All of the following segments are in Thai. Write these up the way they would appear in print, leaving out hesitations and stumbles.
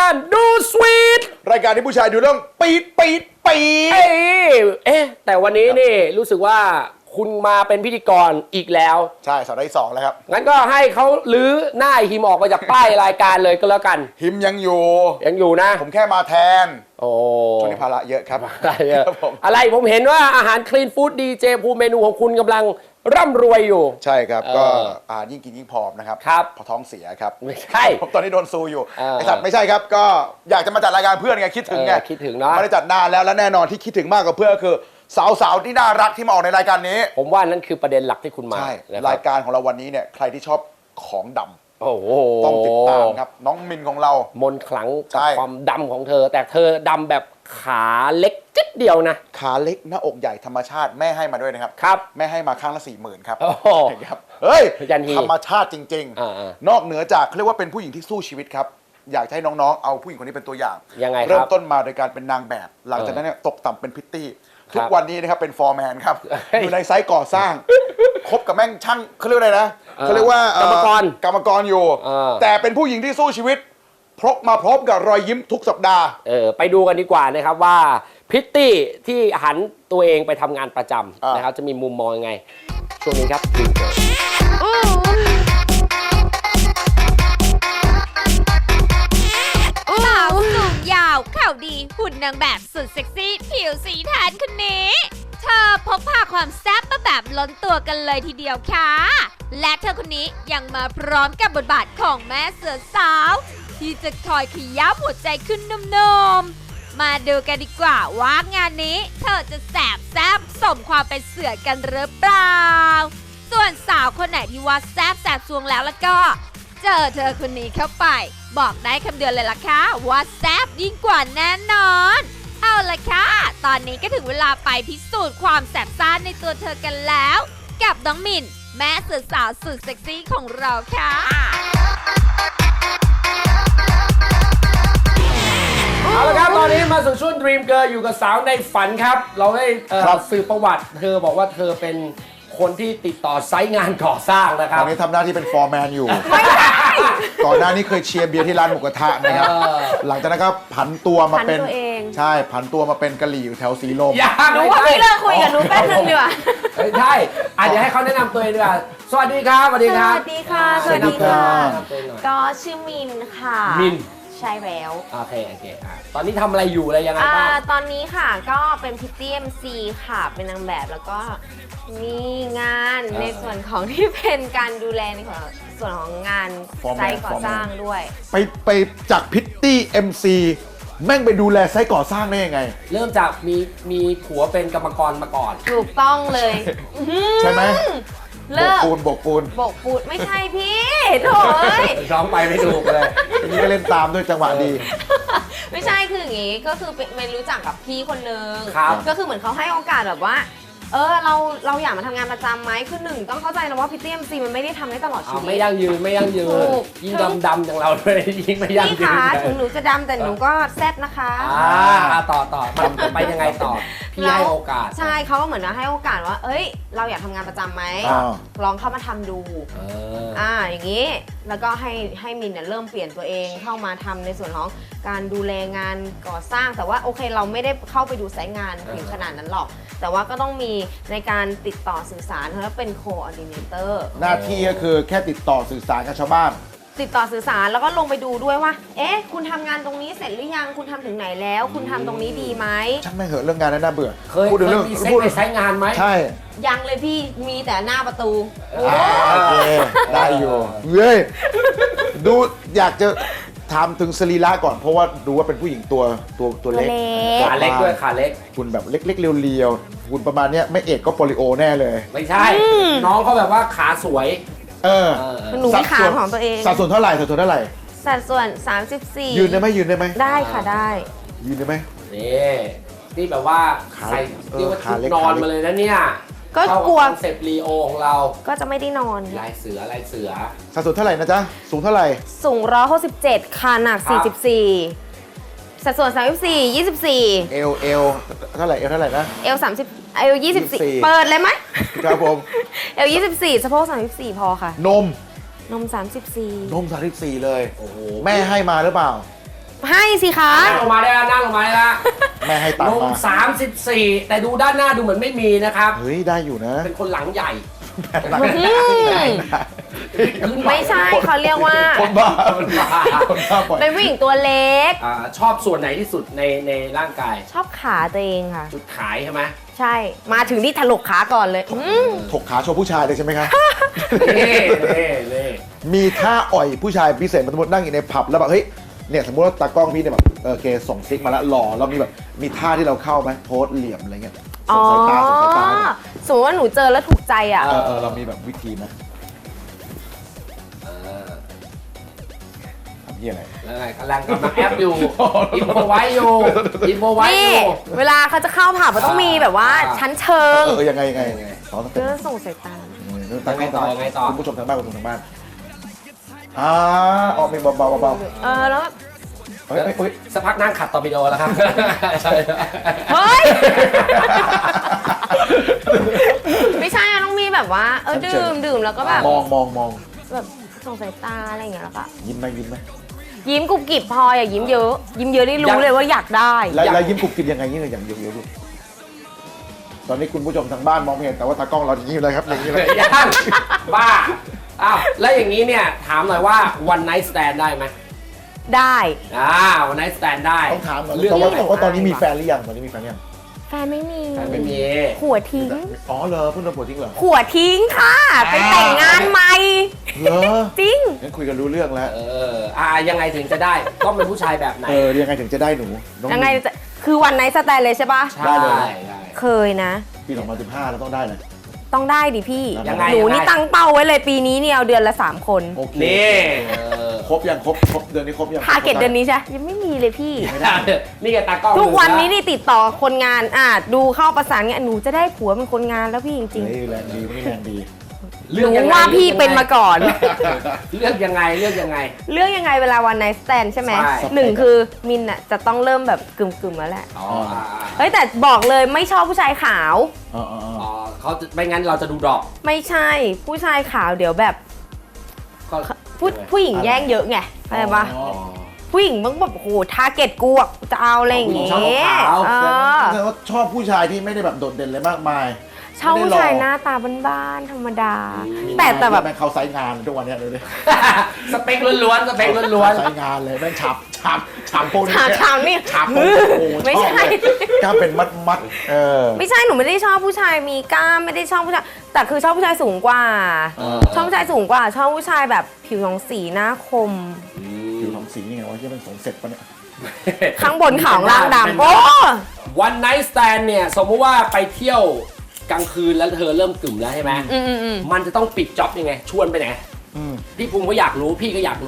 การดูสวีทรายการที่ผู้ชายดูเรื่องปี๊ดแต่วันนี้นี่รู้สึกว่าคุณมาเป็นพิธีกรอีกแล้วใช่สัปดาห์ที่2แล้วครับงั้นก็ให้เขาลื้อหน้าหิมออกมาจากป้ายรายการเลยก็แล้วกันหิมยังอยู่นะผมแค่มาแทนโอ้ช่วงนี้ภาระเยอะครับอะไรผมเห็นว่าอาหารคลีนฟู้ดดีเจภูมิเมนูของคุณกำลังร่ำรวยอยู่ใช่ครับก็ยิ่งกินยิ่งผอมนะครับพอท้องเสียครับไม่ใช่ผมตอนนี้โดนซูอยู่ไอ้สัตว์ไม่ใช่ครับก็อยากจะมาจัดรายการเพื่อนไงคิดถึงไงคิดถึงเนาะไม่ได้จัดนานแล้วและแน่นอนที่คิดถึงมากกว่าเพื่อนก็คือสาวๆที่น่ารักที่มาออกในรายการนี้ผมว่านั่นคือประเด็นหลักที่คุณมาใช่รายการของเราวันนี้เนี่ยใครที่ชอบของดำโอ้โหต้องติดตามครับน้องมินของเรามนขลังกับความดำของเธอแต่เธอดำแบบขาเล็กจิดเดียวนะขาเล็กหน้าอกใหญ่ธรรมชาติแม่ให้มาด้วยนะครับแม่ให้มาข้างละ 40,000 ครับเฮ้ยธรรมชาติจริงๆนอกเหนือจากเรียกว่าเป็นผู้หญิงที่สู้ชีวิตครับอยากให้น้องๆเอาผู้หญิงคนนี้เป็นตัวอย่างเริ่มต้นมาโดยการเป็นนางแบบหลังจากนั้นตกต่ำเป็นพิตตี้ทุกวันนี้นะครับเป็นฟอร์แมนครับอยู่ในไซต์ก่อสร้างคบกับแม่งช่างเขาเรียกอะไรนะเขาเรียกว่ากรรมกรอยู่แต่เป็นผู้หญิงที่สู้ชีวิตพกมาพร้อมกับรอยยิ้มทุกสัปดาห์ไปดูกันดีกว่านะครับว่าพิตตี้ที่หันตัวเองไปทำงานประจำนะครับจะมีมุมมองยังไงช่วงนี้ครับสาวสูงยาวเข่าดีหุ่นนางแบบสุดเซ็กซี่ผิวสีแทนคนนี้เธอพกพาความแซ่บมาแบบล้นตัวกันเลยทีเดียวค่ะและเธอคนนี้ยังมาพร้อมกับบทบาทของแม่เสือสาวที่จะคอยขย้ำหัวใจขึ้นนมๆมาดูกันดีกว่าว่างานนี้เธอจะแสบแซ่บสมความเป็นเสือกันหรือเปล่าส่วนสาวคนไหนที่ว่าแซ่บแสบซวงแล้วก็เจอเธอคนนี้เข้าไปบอกได้คำเดียวเลยล่ะค่ะว่าแซ่บยิ่งกว่าแน่นอนเอาละค่ะตอนนี้ก็ถึงเวลาไปพิสูจน์ความแสบซ่านในตัวเธอกันแล้วกับน้องมินแม่เสือสาวสุดเซ็กซี่ของเราค่ะเอาละครับตอนนี้มาสู่ช่วง Dream Girl อยู่กับสาวในฝันครับเราได้สืบประวัติเธอบอกว่าเธอเป็นคนที่ติดต่อไซต์งานก่อสร้างนะครับตอนนี้ทำหน้าที่เป็นฟอร์แมนอยู่ก่อนหน้านี้เคยเชียร์เบียร์ที่ร้านหมูกระทะนะครับหลังจากนั้นก็ผันตัวมาเป็นใช่ผันตัวมาเป็นกะหรี่อยู่แถวสีลมหนูว่าพี่เลิกคุยกับหนูแป๊บนึงดีกว่าใช่เดี๋ยวให้เขาแนะนำตัวเองดีกว่าสวัสดีครับสวัสดีครับสวัสดีค่ะสวัสดีค่ะก็ชื่อมินค่ะมินใช่แล้วโอเคตอนนี้ทำอะไรอยู่อะไรยังไงบ้างตอนนี้ค่ะก็เป็นพิตตี้ MC ค่ะเป็นนางแบบแล้วก็มีงานในส่วนของที่เป็นการดูแลในส่วนของงานไซต์ก่อสร้างด้วยไปจากพิตตี้ MC แม่งไปดูแลไซต์ก่อสร้างได้ยังไงเริ่มจากมีผัวเป็นกรรมกรมาก่อนถูกต้องเลยใช่ไหมโบกปูนไม่ใช่พี่โถ่ร้องไปไม่ถูกเลยทีนี้ก็เล่นตามด้วยจังหวะดีไม่ใช่คืออย่างงี้ก็คือเป็นรู้จักกับพี่คนนึงก็คือเหมือนเขาให้โอกาสแบบว่าเราอยากมาทำงานประจำไหมคือหนึ่งต้องเข้าใจนะว่าพิตตี้ MC มันไม่ได้ทำได้ตลอดชีวิตไม่ยั่งยืนยิ่งดำอย่างเราเลยยิ่งไม่ยั่งยืนพี่คะถึงหนูจะดำแต่หนูก็แซ่บนะคะต่อมันไปยังไงต่อพี่ให้โอกาสใช่เขาก็เหมือนว่าให้โอกาสว่าเราอยากทำงานประจำไหมลองเข้ามาทำดูอย่างนี้แล้วก็ให้มินเนี่ยเริ่มเปลี่ยนตัวเองเข้ามาทำในส่วนของการดูแลงานก่อสร้างแต่ว่าโอเคเราไม่ได้เข้าไปดูไซต์งานถึงขนาดนั้นหรอกแต่ว่าก็ต้องมีในการติดต่อสื่อสารแล้วเป็นโคออร์ดิเนเตอร์หน้าที่ก็คือแค่ติดต่อสื่อสารกับชาวบ้านติดต่อสื่อสารแล้วก็ลงไปดูด้วยว่าคุณทำงานตรงนี้เสร็จหรือยังคุณทำถึงไหนแล้วคุณทำตรงนี้ดีไหมช่างไม่เหอะเรื่องงานนั้นน่าเบื่อพูดถึงเรื่องไปใช้งานไหมใช่ยังเลยพี่มีแต่หน้าประตูโอเคได้อยู่ดูอยากจะถามถึงสรีระก่อนเพราะว่าดูว่าเป็นผู้หญิงตัวเล็กขาเล็กด้วยขาเล็กคุณแบบเล็กๆเรียวๆคุณประมาณนี้ไม่เอกก็โปลิโอแน่เลยไม่ใช่น้องเขาแบบว่าขาสวยหนูมีขาของตัวเองสัดส่วนเท่าไหร่สัดส่วน 34 ยืนได้ไหมได้ค่ะได้ยืนได้ไหมนี่แบบว่าใส่เรียกว่าชุดนอนมาเลยนะเนี่ยก็กลัวเซปรีโอของเราก็จะไม่ได้นอนลายเสือสัดส่วนเท่าไหร่นะจ๊ะสูงเท่าไหร่สูง167ค่ะหนัก44สัดส่วน34 24 เอวเท่าไหร่นะเอว30เอว24เปิดเลยไหมครับผมเอว24สะโพก34พอค่ะนม34 นม34เลยโอ้โหแม่ให้มาหรือเปล่าให้สิคะนั่งลงมาได้แล้วนั่งลงมาได้แล้วแม่ให้ตังนค์มมา 34 แต่ดูด้านหน้าดูเหมือนไม่มีนะครับเฮ้ยได้อยู่นะเป็นคนหลังใหญ่ไม่ใช่เขาเรียกว่าคนบ้าคนบ้าปล่อยเป็นผู้หญิงตัวเล็กชอบส่วนไหนที่สุดในร่างกายชอบขาตัวเองค่ะจุดขายใช่ไหมใช่มาถึงที่ถลกขาก่อนเลยถกขาโชว์ผู้ชายเลยใช่ไหมครับนี่มีท่าอ่อยผู้ชายพิเศษสมมตินั่งอยู่ในผับแล้วแบบเฮ้ยเนี่ยสมมติว่าตากล้องพี่เนี่ยแบบโอเคส่งซิกมาแล้วหล่อแล้วมีแบบมีท่าที่เราเข้าไหมโพสเหลี่ยมอะไรเงี้ยส่งสายตาส่งสายตาเนี่ยสมมติว่าหนูเจอแล้วถูกใจอ่ะเรามีแบบวิธีไหมทำเหี้ยอะไรแล้วไงกำลังแอปอยู่ อินโฟไว้อยู่นี่เวลาเขาจะเข้าผับมันต้องมีแบบว่าชั้นเชิงยังไงสอนเพื่อส่งสายตาตากล้องคุณผู้ชมทางบ้านคุณผู้ชมทางบ้านออกมีเบาแล้วเฮ้ยสักพักนั่งขัดตอร์ปิโดแล้วครับเฮ้ย ไม่ใช่อะต้องมีแบบว่าดื่มแล้วก็แบบมองแบบส่งสายตาอะไรอย่างเงี้ยแล้วก็ยิ้มไหมยิ้มกุบกิบพออย่ายิ้มเยอะได้รู้เลยว่าอยากได้แล้วยิ้มกุบกิบยังไงยิ้มอย่างเยอะๆตอนนี้คุณผู้ชมทางบ้านมองไม่เห็นแต่ว่าตากล้องเรายิ้มเลยครับอย่างนี้เลยยังบ้าอ้าวแล้วอย่างนี้เนี่ยถามหน่อยว่า one night stand ได้ไหมได้ one night stand ได้ต้องถามก่อนเรื่องว่าตอนนี้มีแฟนหรือยังตอนนี้มีแฟนยังแฟนไม่มีไม่มีผัวทิ้งอ๋อเหรอเพิ่งโดนผัวทิ้งเหรอผัวทิ้งค่ะไปแต่งงานใหม่เหรอจริงงั้นคุยกันรู้เรื่องแล้วยังไงถึงจะได้ต้องเป็นผู้ชายแบบไหนยังไงถึงจะได้หนูน้อยังไงจะคือวันไหนสแตนเลยใช่ปะได้เลยเคยนะปี2015เราต้องได้เลยต้องได้ดิพี่ยังไงหนูนี่ตั้งเป้าไว้เลยปีนี้เนี่ยเอาเดือนละ3 คนโอเคนี่ครบยังครบเดือนนี้ครบยังทาร์เก็ตเดือนนี้ใช่ยังไม่มีเลยพี่นี่ไงตากล้องทุกวันนี้นี่ติดต่อคนงานดูเข้าประสานงานหนูจะได้ผัวเป็นคนงานแล้วพี่จริงเฮ้ยแรงดีไม่แรงดีๆหนูว่าพี่เป็นมาก่อนเลือกยังไงเรื่องยังไงเวลาวันไนท์สแตนใช่ไหมหนึ่งคือมินอ่ะจะต้องเริ่มแบบกึ่มๆแล้วแหละเฮ้ยแต่บอกเลยไม่ชอบผู้ชายขาวเขาไม่งั้นเราจะดูดอกไม่ใช่ผู้ชายขาวเดี๋ยวแบบผู้หญิงแย่งเยอะไงเข้าใจปะผู้หญิงมึงแบบโอ้โหทาร์เก็ตกูอ่ะจะเอาอะไรอย่างเงี้ยแต่ว่าชอบผู้ชายที่ไม่ได้แบบโดดเด่นเลยมากมายชอบผู้ชายหน้าตาบ้านๆธรรมดาแต่แบบแม่งเขาไซส์งานทุกวันนี้เลยสเปคล้วนๆสเปคล้วนไซส์งานเลยแม่งฉับโปนชามนี่ฉับโปนไม่ใช่กล้าเป็นมัดไม่ใช่หนูไม่ได้ชอบผู้ชายมีกล้ามไม่ได้ชอบผู้ชายแต่คือชอบผู้ชายสูงกว่าชอบผู้ชายสูงกว่าชอบผู้ชายแบบผิวสองสีหน้าคมผิวทองสีนี่ไงวะที่มันสงเสร็จปะเนี่ยข้างบนขาวล่างดำโอ้ one night stand เนี่ยสมมติว่าไปเที่ยวกลางคืนแล้วเธอเริ่มกึ่มแล้วใช่ไหมมันจะต้องปิดจ็อบยังไงชวนไปไหนพี่ภูมิก็อยากรู้พี่ก็อยากรู้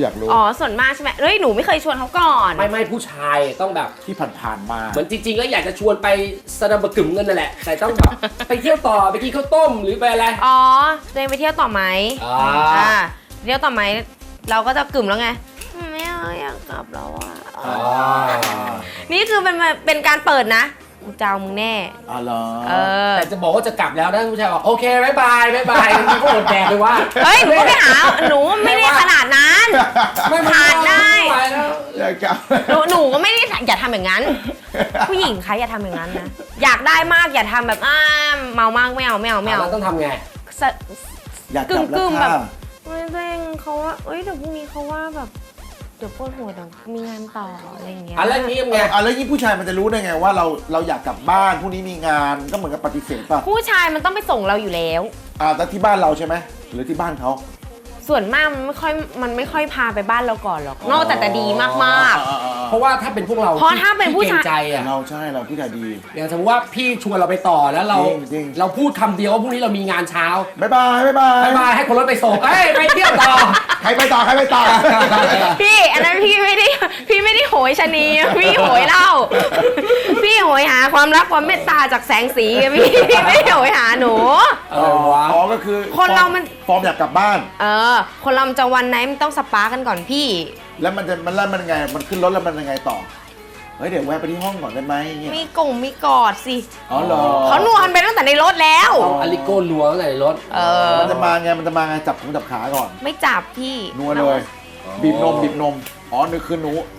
อ๋อส่วนมากใช่ไหมเฮ้ยหนูไม่เคยชวนเขาก่อนไม่ผู้ชายต้องแบบที่ผ่านมาเหมือนจริงๆแล้วอยากจะชวนไปสนับกึ่มกันนั่นแหละแต่ต้องแบบไปเที่ยวต่อไปกินข้าวต้มหรือไปอะไรอ๋อตัวเองไปเที่ยวต่อไหมเที่ยวต่อไหมเราก็จะกึ่มแล้วไงไม่เอาอยากกลับแล้วอ่ะนี่คือเป็นการเปิดนะกูเจ้ามึงแน่เหรอแต่จะบอกว่าจะกลับแล้วนะผู้ชายบอกโอเคบ๊ายบายมันก็อดแดกเลยว่าเฮ้ยหนูก็ไปหาหนูไม่ได้ขนาดนั้นผ่านได้อยากกลับหนูก็ไม่ได้อย่าทำอย่างนั้นผู้หญิงคะอย่าทำอย่างนั้นนะอยากได้มากอย่าทำแบบเมามากไม่เอาแล้วต้องทำไงอยากกลับแล้วแบบไม่เร่งเขาว่าเอ้ยเดี๋ยวพรุ่งนี้เขาว่าแบบเดี๋ยวปวดหัวเดี๋ยวมีงานต่ออะไรอย่างเงี้ยแล้วนี้ไงแล้วยิ่งผู้ชายมันจะรู้ได้ไงว่าเราอยากกลับบ้านพรุ่งนี้มีงานก็เหมือนกับปฏิเสธป่ะผู้ชายมันต้องไปส่งเราอยู่แล้วแต่ที่บ้านเราใช่ไหมหรือที่บ้านเขาส่วนมากมันไม่ค่อยพาไปบ้านเราก่อนหรอกนอกจากแต่ดีมากๆเพราะว่าถ้าเป็นพวกเราเพราะถ้าเป็นผู้ชายใจอ่ะเราใช่เราผู้ชายดีอย่างสมมติว่าพี่ชวนเราไปต่อแล้วเราพูดคำเดียวว่าพรุ่งนี้เรามีงานเช้าบ๊ายบายให้คนรถไปส่งไปเที่ยวต่อใครไปต่อพี่อันนั้นพี่ไม่ได้โหยชะนีพี่โหยเหล้าพี่โหยหาความรักความเมตตาจากแสงสีพี่ไม่ได้โหยหาหนูก็คือคนเรามันฟอร์มอยากกลับบ้านคนเราจะวันไหนมันต้องสปากันก่อนพี่แล้วมันยังไงมันขึ้นรถแล้วมันยังไงต่อเฮ้ยเดี๋ยวแวะไปที่ห้องก่อนได้ไหมมีกอดสิเหรอเขานวลไปตั้งแต่ในรถแล้วอลิโก้ล้วงตั้งแต่ในรถมันจะมาไงจับขาก่อนไม่จับพี่นัวเลยบีบนมนึกคือหนู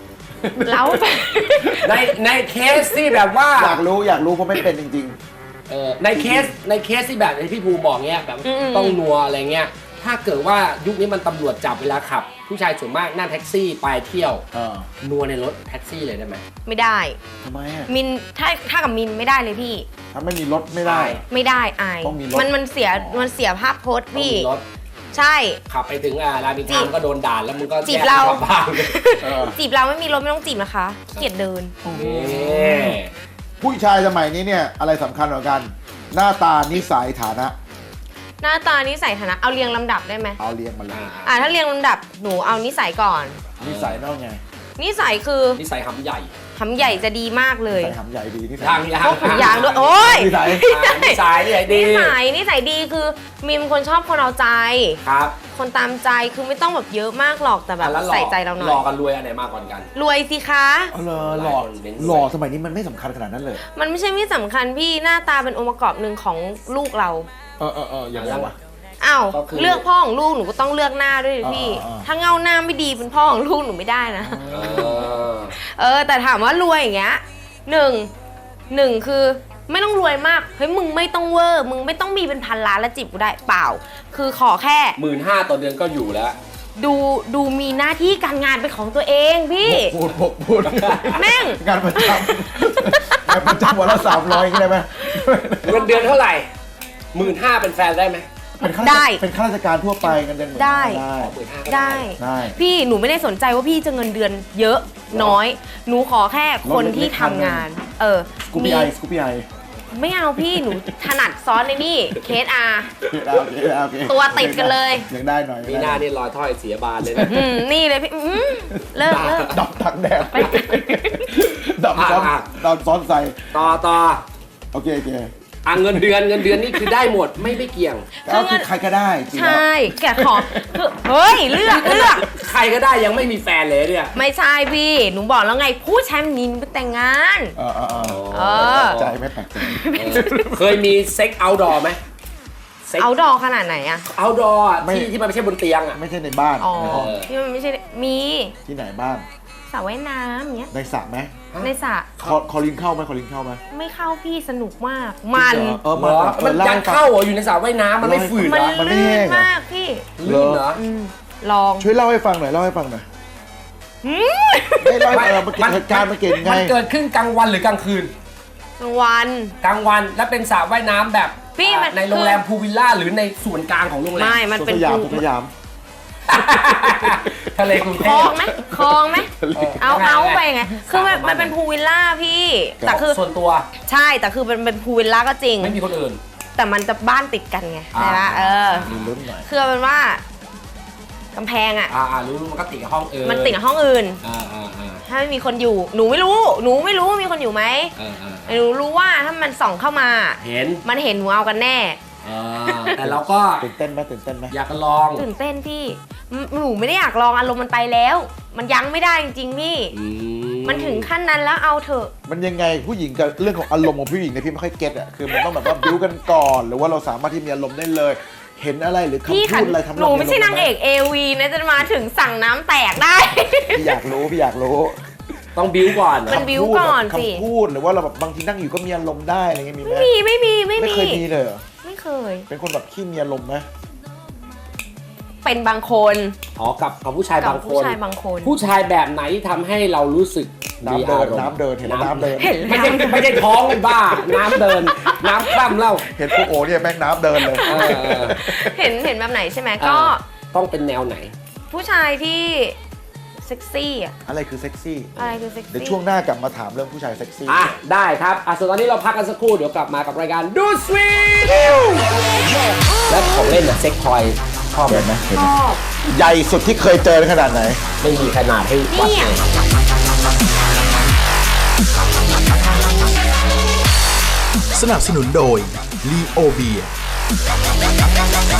เล้าในเคสที่แบบว่าอยากรู้เพราะไม่เป็นจริงในเคสที่แบบที่พี่ภูบอกเงี้ยแบบต้องนัวอะไรเงี้ยถ้าเกิดว่ายุคนี้มันตำรวจจับเวลาขับ ผู้ชายส่วนมากนั่งแท็กซี่ไปเที่ยวนัวในรถแท็กซี่เลยได้ไหมไม่ได้ทำไมอ่ะมินถ้ากับมินไม่ได้เลยพี่ถ้าไม่มีรถไม่ได้ไม่ได้อายต้องมีรถมันเสียภาพโพสต์พี่ต้องมีรถใช่ขับไปถึงรามอินทราก็โดนด่าแล้วมึงก็จีบเราแยกกลับบ้านจีบเราไม่มีรถไม่ต้องจีบนะคะขี้เกียจเดินผู้ชายสมัยนี้เนี่ยอะไรสำคัญกว่ากัน หน้าตานิสัยฐานะหน้าตานิสัยฐานะเอาเรียงลำดับได้ไหมเอาเรียงมาเลยถ้าเรียงลำดับหนูเอานิสัยก่อนนิสัยนอกไงนิสัยคือนิสัยหำใหญ่หำใหญ่จะดีมากเลยนิสัยหำใหญ่ดีนิสัยพวกขุนยางด้วยโอ้ยนิสัยนิสัยดีนิสัยดีคือมีเป็นคนชอบคนเอาใจครับคนตามใจคือไม่ต้องแบบเยอะมากหรอกแต่แบบใส่ใจเราหน่อยหล่อกันรวยอันไหนมากกว่ากันรวยสิคะหล่อสมัยนี้มันไม่สำคัญขนาดนั้นเลยมันไม่ใช่ไม่สำคัญพี่หน้าตาเป็นองค์ประกอบหนึ่งของลูกเราอย่างไรวะอ้าวเลือกพ่อของลูกหนูก็ต้องเลือกหน้าด้วยพี่ ถ้าเงาหน้าไม่ดีเป็นพ่อของลูกหนูไม่ได้นะแต่ถามว่ารวยอย่างเงี้ยหนึ่งคือไม่ต้องรวยมากเฮ้ยมึงไม่ต้องเวอร์มึงไม่ต้องมีเป็นพันล้านแล้วจีบกูได้เปล่าคือขอแค่ 15,000ต่อเดือนก็อยู่แล้วดูมีหน้าที่การงานเป็นของตัวเองพี่พูดแม่งงานประจำวันละ300ได้ไหมเงินเดือนเท่าไหร่ 15,000เป็นแฟนได้ไหมเป็นข้าราชการทั่วไปเงินเดือนได้พี่หนูไม่ได้สนใจว่าพี่จะเงินเดือนเยอะน้อยหนูขอแค่คนที่ทำงานสกูปี้ไอไม่เอาพี่หนูถนัดซ้อนในนี่เคสอาตัวติดกันเลยยังได้หน่อยมีหน้านี่รอยถ้อยเสียบานเลยนะนี่เลยพี่เลิกดับตักแดดดับซ้อนใส่ต่อโอเคเงินเดือนนี่คือได้หมดไม่เกี่ยงก็คือใครก็ได้ใช่แกขอเฮ้ยเลือกใครก็ได้ยังไม่มีแฟนเลยเนี่ยไม่ใช่พี่หนูบอกแล้วไงผู้ชายนินไปแต่งงานใจไม่แปลกใจเคยมีเซ็กเอาท์ดอร์ไหมเอาท์ดอร์ขนาดไหนอะเอาท์ดอร์ที่มันไม่ใช่บนเตียงอะไม่ใช่ในบ้านที่มันไม่ใช่มีที่ไหนบ้างสระว่ายน้ำอย่างเงี้ยในสระไหมในสระคอลินเข้าไหมไม่เข้าพี่สนุกมากมันยังเข้าอยู่ในสระว่ายน้ำมันไม่ฝืนมันลื่นมากพี่ลื่นเหรอลองช่วยเล่าให้ฟังหน่อยไม่เล่าให้ฟังเหตุการณ์มันเกิดไงมันเกิดขึ้นกลางวันหรือกลางคืนกลางวันและเป็นสระว่ายน้ำแบบในโรงแรมพูลวิลล่าหรือในส่วนกลางของโรงแรมไม่มันเป็นสยามทะเลกรุงเทพคลองไหมเอาไปไงคือมันเป็นพูลวิลล่าพี่แต่คือส่วนตัวใช่แต่คือเป็นพูลวิลล่าก็จริงไม่มีคนอื่นแต่มันจะบ้านติดกันไงใช่ไหมคือเป็นว่ากำแพงรู้มันก็ติดกับห้องอื่นมันติดกับห้องอื่นถ้าไม่มีคนอยู่หนูไม่รู้ว่ามีคนอยู่ไหมหนูรู้ว่าถ้ามันส่องเข้ามามันเห็นหนูเอากันแน่แต่เราก็ตื่นเต้นไหมอยากลองตื่นเต้นพี่หนูไม่ได้อยากลองอารมณ์มันไปแล้วมันยังไม่ได้จริงๆพี่มันถึงขั้นนั้นแล้วเอาเถอะมันยังไงผู้หญิงกับเรื่องของอารมณ์ของผู้หญิงเนี่ยพี่ไม่ค่อยเก็ตคือมันต้องแบบว่าบิ้วกันก่อนหรือว่าเราสามารถที่มีอารมณ์ได้เลยเห็นอะไรหรือคำพูดอะไรทำหนูไม่ใช่นางเอกAVนะจะมาถึงสั่งน้ำแตกได้พี่อยากรู้ต้องบิ้วก่อนมันบิ้วก่อนสิคำพูดหรือว่าเราแบบบางทีนั่งอยู่ก็มีอารมณ์ได้อะไรเงี้ยมีไหมไม่เคยมีเลยไม่เคยเป็นคนแบบขี้มีอารมณ์ไหมเป็นบางคนกับผู้ชายบางคนผู้ชายแบบไหนที่ทำให้เรารู้สึกน้ำเดินเห็นน้ำเดินไม่ใช่ท้องเป็นบ้าน้ำเดินน้ำคล่ำเล่าเห็นพวกโอเนี่ยแม่งน้ำเดินเลยเห็นแบบไหนใช่ไหมก็ต้องเป็นแนวไหนผู้ชายที่เซ็กซี่อะไรคือเซ็กซี่เดี๋ยวช่วงหน้ากลับมาถามเรื่องผู้ชายเซ็กซี่ได้ครับส่วนตอนนี้เราพักกันสักครู่เดี๋ยวกลับมากับรายการดูสวีทแล้วของเล่นเซ็กทอยชอบไหมชอบใหญ่สุดที่เคยเจอขนาดไหนไม่มีขนาดให้วัดเลยสนับสนุนโดยลีโอเบียร์